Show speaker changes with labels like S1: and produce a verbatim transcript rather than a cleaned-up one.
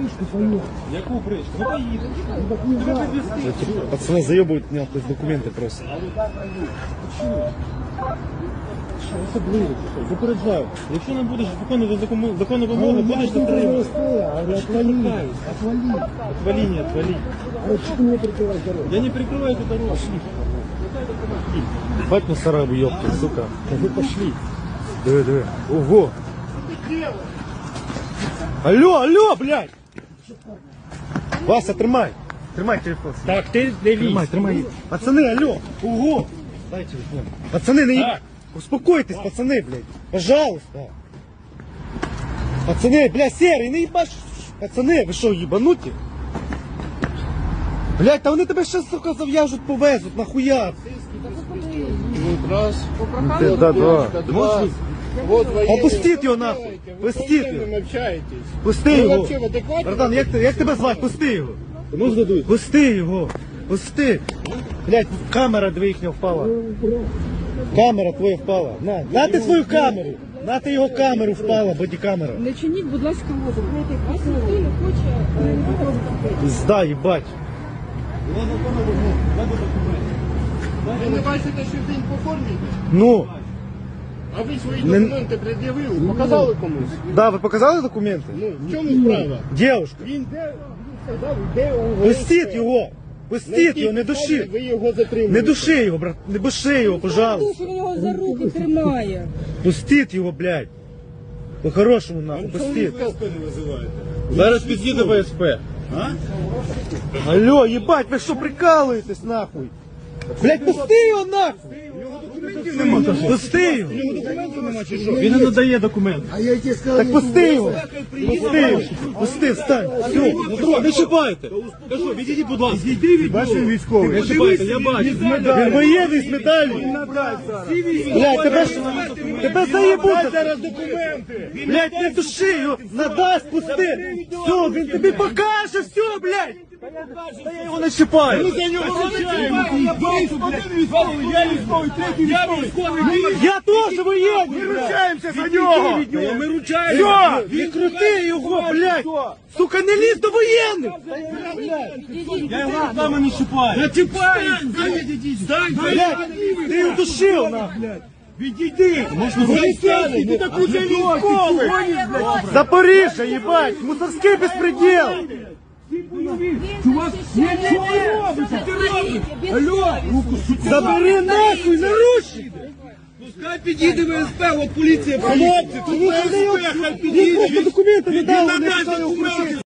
S1: бричку поехал.
S2: Яку бричку? Ну поїдемо.
S3: Пацаны заебывают меня то есть документы просто.
S2: Особливо, запереджаю. Якщо не будеш виконувати законну, законну вимогу, будеш затримати.
S1: Отвали, отвали.
S2: Отвали, не отвали.
S1: А что ты мне прикрываешь дорогу?
S2: Я не перекрываю эту дорогу.
S3: Бать мусора бы ёпта, сука.
S1: Да вы пошли.
S3: Диви, диви. Ого. Алло, алло, блядь. Вася, тримай. Тримай телефон.
S2: Так, ти не
S3: Тримай, тримай. Пацаны, алло. Ого. Дай телефон. Пацаны, не...
S2: Так.
S3: Успокойтесь, пацаны, блядь. Пожалуйста. Пацаны, блядь, серый, не ебаш. Пацаны, ви що, ебануті? Блядь, та вони тебе ще, сука, зав'яжуть, повезуть, нахуя?
S4: Раз.
S3: Ти, да, да.
S4: Два. Вот военные.
S3: Опустіть його нахуй. Пустіть
S4: Вы
S3: його.
S4: общаетесь.
S3: Пусти
S4: Ви
S3: його.
S4: вообще в адекваті?
S3: Братан, як, ти- як тебе звати? Пусти його. Ну здадуть. Пусти його. Пусти. Блядь, камера дві їхня впала. Камера твоя впала. На, на ти свою камеру. На ти його камеру впала, бодікамера.
S5: Не чиніть, будь ласка, опір. Вас ніхто не хоче е, допомогти.
S3: Пизда, їбать.
S4: Ви не бачите, що він по формі йде?
S3: Ну,
S4: А ви свої
S3: Не-
S4: документи пред'явили, показали комусь?
S3: да, ви показали документи?
S4: Ну, в чому справа?
S3: Дівушка,
S4: Він де, він сказав, де у
S3: пустіть його. Пустіть його, не души.
S4: Ви його затримали.
S3: Не души його, брат, не души його, пожалуйста.
S5: Він його за руки тримає.
S3: Пустіть його, блядь. По-хорошому нахуй, пустіть.
S2: Зараз під'їде ВСП.
S3: Алло, ебать, ви що прикалуєтесь нахуй? Блять, пусти його нахуй! Пусти його!
S2: Він не надає документи.
S1: А я тебе сказал,
S3: Так пусти його! Пусти його! Пусти, встань! Все!
S2: Не чіпайте. Кажу, відійдіть, будь ласка. Відійди від нього.
S3: Бачив військовий?
S2: Не чіпайте, я бачу.
S3: Він воєнний з медаллю! Блять, тебе ж... Тебе заєбуть!
S4: Зараз документи!
S3: Блять, не души його! Надасть, пусти! Все, він тобі покаже, все, блять! Та я його не чіпаю!
S4: За нього розчаємо! Один військовий, я військовий, третій військовий!
S3: Я теж воєнний!
S4: Ми ручаємося за нього!
S2: Ми ручаємо.
S3: Все, відкрути його, блядь! Сука, не лізь до воєнних!
S2: Я його руками не чіпаю. Не чіпаю.
S3: Блядь, ти його душив, нахуй!
S4: Відійди! Поліцейський, ти так уже військовий!
S3: Запоріжжя, їбать! Мусорський безпреділ!
S5: Чувак, нічого не робиться, ти робиш. Алло,
S3: Забери нахуй, наручники!
S4: Пускай підійде ВСП, от поліція, хлопці, тут
S3: Він
S4: ВСП, хай підійде!
S3: документи не
S4: Він
S3: дав,
S4: надасть документи!